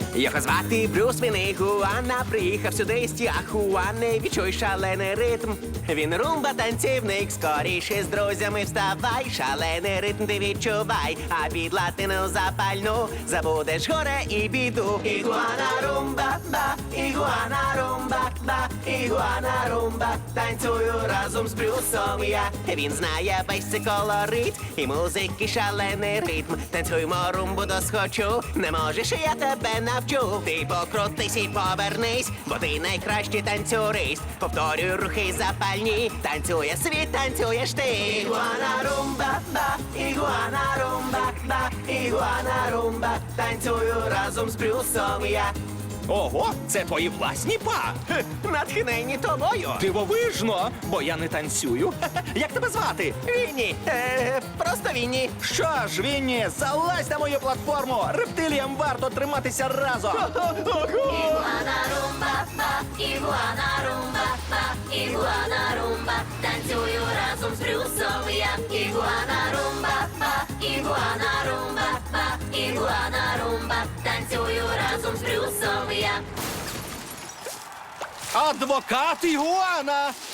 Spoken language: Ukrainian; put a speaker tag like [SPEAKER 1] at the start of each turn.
[SPEAKER 1] Його звати Брюс, він Ігуана. Приїхав сюди з Тіахуани. Відчуй шалений ритм. Він румба танцівник. Скоріше з друзями вставай. Шалений ритм ти відчувай. А під латину запальну забудеш горе і біду. Ігуана румба, ба, ігуана румба, ба, ігуана румба. Танцюю разом з Брюсом я. Він знає весь цей колорит і музики шалений ритм. Танцюймо румбу досхочу. Не можеш, я тебе навчу. Ти покрутись і повернись, бо ти найкращий танцюрист. Повторюй рухи запальні. Танцює світ, танцюєш ти. Ігуана румба, ба, ігуана румба, ба, ігуана румба. Танцюю разом з Брюсом я.
[SPEAKER 2] Ого, це твої власні па.
[SPEAKER 1] Натхнені тобою.
[SPEAKER 2] Дивовижно, бо я не танцюю. Як тебе звати?
[SPEAKER 1] Вінні. Просто Вінні.
[SPEAKER 2] Що ж, Вінні, залазь на мою платформу. Рептиліям варто триматися разом.
[SPEAKER 3] Ігуана румба, ба, ігуана румба, ба, ігуана румба. Танцюю разом з Брюсом я. Ігуана румба, ба, ігуана румба, ба, ігуана румба. Танцюю разом з Брюсом я.
[SPEAKER 2] Адвокат Ігуана!